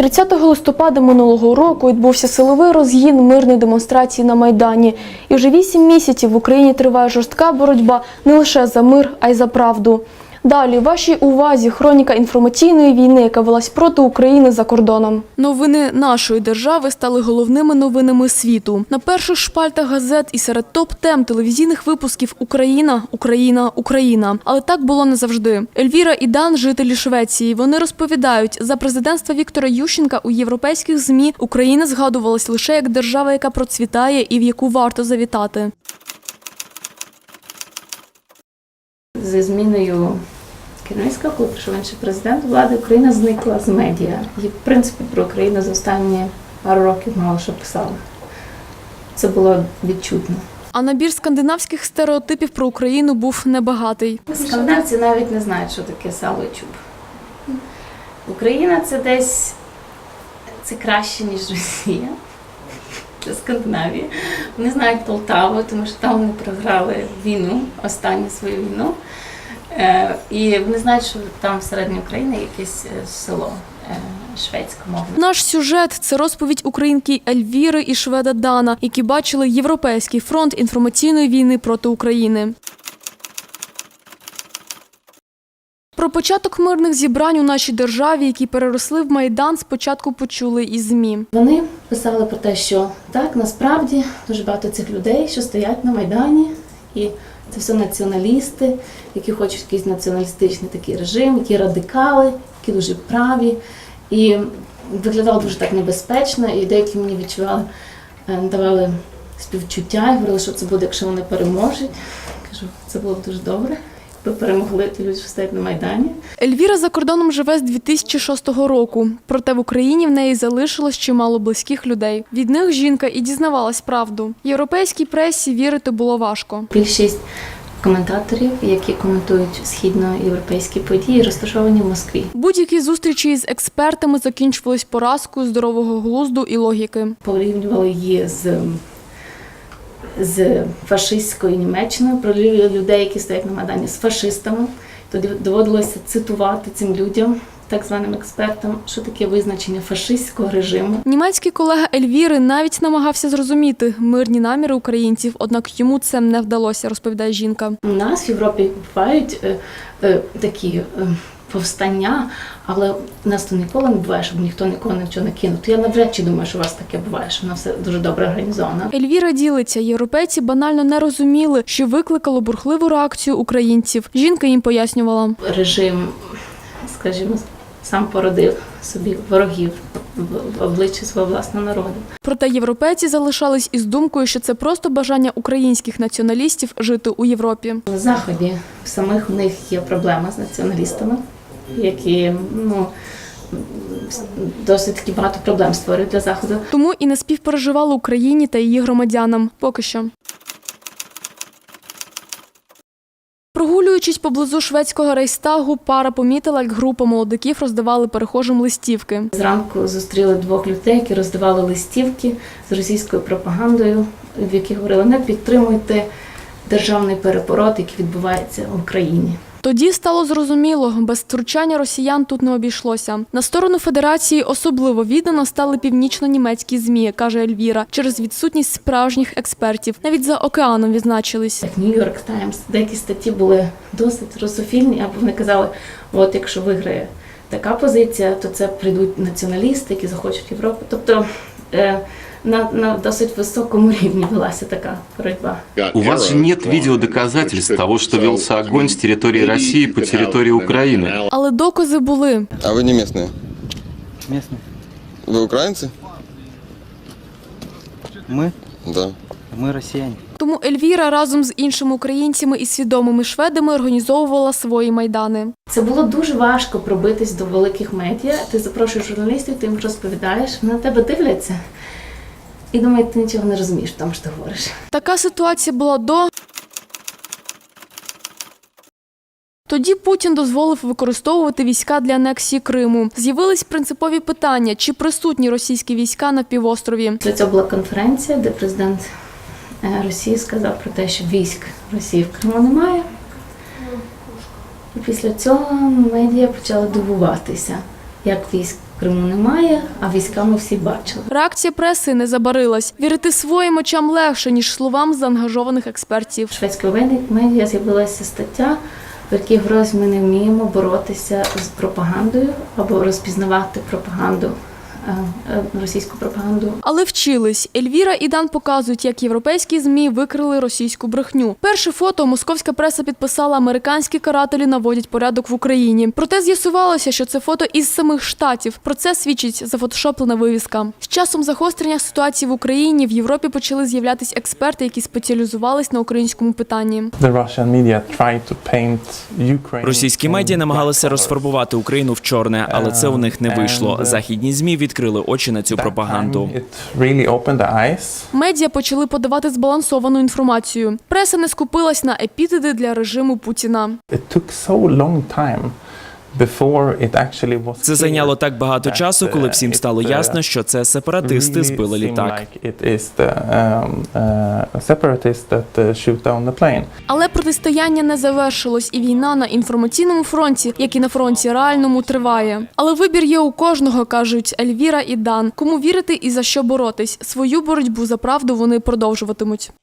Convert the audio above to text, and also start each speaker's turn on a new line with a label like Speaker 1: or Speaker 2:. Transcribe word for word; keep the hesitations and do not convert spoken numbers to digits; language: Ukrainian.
Speaker 1: тридцятого листопада минулого року відбувся силовий розгін мирної демонстрації на Майдані. І вже вісім місяців в Україні триває жорстка боротьба не лише за мир, а й за правду. Далі, вашій увазі хроніка інформаційної війни, яка велась проти України за кордоном. Новини нашої держави стали головними новинами світу. На перших шпальтах газет і серед топ-тем телевізійних випусків «Україна, Україна, Україна». Але так було не завжди. Ельвіра і Дан – жителі Швеції. Вони розповідають, за президентства Віктора Ющенка у європейських ЗМІ Україна згадувалась лише як держава, яка процвітає і в яку варто завітати.
Speaker 2: Зі зміною керівництва, коли прийшов інший президент влади, Україна зникла з медіа. І, в принципі, про Україну за останні пару років мало що писали. Це було відчутно.
Speaker 1: А набір скандинавських стереотипів про Україну був небагатий.
Speaker 2: Скандинавці навіть не знають, що таке сало і чуб. Україна – це десь це краще, ніж Росія. Це Скандинавія. Вони знають Полтаву, тому що там вони програли війну, останню свою війну. Е, і вони знають, що там всередині України якесь село е, шведськомовне.
Speaker 1: Наш сюжет – це розповідь українки Ельвіри і шведа Дана, які бачили Європейський фронт інформаційної війни проти України. Про початок мирних зібрань у нашій державі, які переросли в Майдан, спочатку почули із ЗМІ.
Speaker 2: Вони писали про те, що так, насправді, дуже багато цих людей, що стоять на Майдані, і це все націоналісти, які хочуть якийсь націоналістичний такий режим, які радикали, які дуже праві. І виглядало дуже так небезпечно, і деякі мені відчували, давали співчуття і говорили, що це буде, якщо вони переможуть. Кажу, це було б дуже добре. Ви перемогли ті люди, що стоять на Майдані.
Speaker 1: Ельвіра за кордоном живе з дві тисячі шостого року. Проте в Україні в неї залишилось чимало близьких людей. Від них жінка і дізнавалась правду. Європейській пресі вірити було важко.
Speaker 2: Більшість коментаторів, які коментують східноєвропейські події, розташовані в Москві.
Speaker 1: Будь-які зустрічі з експертами закінчувались поразкою здорового глузду і логіки.
Speaker 2: Порівнювали її з з фашистською Німеччиною, про людей, які стоять на Майдані, з фашистами. Тоді доводилося цитувати цим людям, так званим експертам, що таке визначення фашистського режиму.
Speaker 1: Німецький колега Ельвіри навіть намагався зрозуміти мирні наміри українців, однак йому це не вдалося, розповідає жінка.
Speaker 2: У нас в Європі бувають е, е, такі е, повстання, але у нас то ніколи не буває, щоб ніхто нікого нічого не кинув. То я навряд чи думаю, що у вас таке буває, що воно все дуже добре організовано.
Speaker 1: Ельвіра ділиться, європейці банально не розуміли, що викликало бурхливу реакцію українців. Жінка їм пояснювала.
Speaker 2: Режим, скажімо, сам породив собі ворогів в обличчі свого власного народу.
Speaker 1: Проте європейці залишались із думкою, що це просто бажання українських націоналістів жити у Європі.
Speaker 2: На Заході самих у них є проблема з націоналістами, які, ну, досить таки багато проблем створюють для Заходу.
Speaker 1: Тому і не співпереживали Україні та її громадянам. Поки що. Прогулюючись поблизу шведського Рейхстагу, пара помітила, як група молодиків роздавали перехожим листівки.
Speaker 2: Зранку зустріли двох людей, які роздавали листівки з російською пропагандою, в яких говорили: не підтримуйте державний переворот, який відбувається в Україні.
Speaker 1: Тоді стало зрозуміло, без втручання росіян тут не обійшлося. На сторону Федерації особливо віддано стали північно-німецькі ЗМІ, каже Ельвіра, через відсутність справжніх експертів. Навіть за океаном відзначились.
Speaker 2: Як Нью-Йорк Таймс, деякі статті були досить русофільні, або вони казали, от якщо виграє така позиція, то це прийдуть націоналісти, які захочуть Європу. Тобто е, на, на досить високому рівні велася така боротьба.
Speaker 3: У вас же нет видеодоказательств того, что велся огонь с территории России по территории Украины.
Speaker 1: Але докази були.
Speaker 4: А вы не местные?
Speaker 5: Местные.
Speaker 4: Вы украинцы?
Speaker 5: Мы?
Speaker 4: Да.
Speaker 5: Мы россияне.
Speaker 1: Тому Ельвіра разом з іншими українцями і свідомими шведами організовувала свої майдани.
Speaker 2: Це було дуже важко пробитись до великих медіа. Ти запрошуєш журналістів, ти їм розповідаєш, вони на тебе дивляться і думають, ти нічого не розумієш в тому, що ти говориш.
Speaker 1: Така ситуація була до... Тоді Путін дозволив використовувати війська для анексії Криму. З'явились принципові питання, чи присутні російські війська на півострові.
Speaker 2: Після цього була конференція, де президент Росії сказав про те, що військ Росії в Криму немає. І після цього медіа почали дивуватися, як військ Криму немає, а війська ми всі бачили.
Speaker 1: Реакція преси не забарилась. Вірити своїм очам легше, ніж словам заангажованих експертів.
Speaker 2: В шведської медіа з'явилася стаття, в якій говорилось, ми не вміємо боротися з пропагандою або розпізнавати пропаганду, російську пропаганду.
Speaker 1: Але вчились. Ельвіра і Дан показують, як європейські ЗМІ викрили російську брехню. Перше фото московська преса підписала: американські карателі наводять порядок в Україні. Проте з'ясувалося, що це фото із самих Штатів. Про це свідчить зафотошоплена вивіска. З часом загострення ситуації в Україні в Європі почали з'являтися експерти, які спеціалізувались на українському питанні.
Speaker 6: Російські медіа намагалися розфарбувати Україну в чорне, але це у них не вийшло. Західні ЗМІ відкрили очі на цю пропаганду.
Speaker 1: Медіа почали подавати збалансовану інформацію. Преса не скупилась на епітети для режиму Путіна.
Speaker 6: Це зайняло так багато часу, коли всім стало ясно, що це сепаратисти збили літак.
Speaker 1: Але протистояння не завершилось, і війна на інформаційному фронті, як і на фронті реальному, триває. Але вибір є у кожного, кажуть Ельвіра і Дан. Кому вірити і за що боротись. Свою боротьбу за правду вони продовжуватимуть.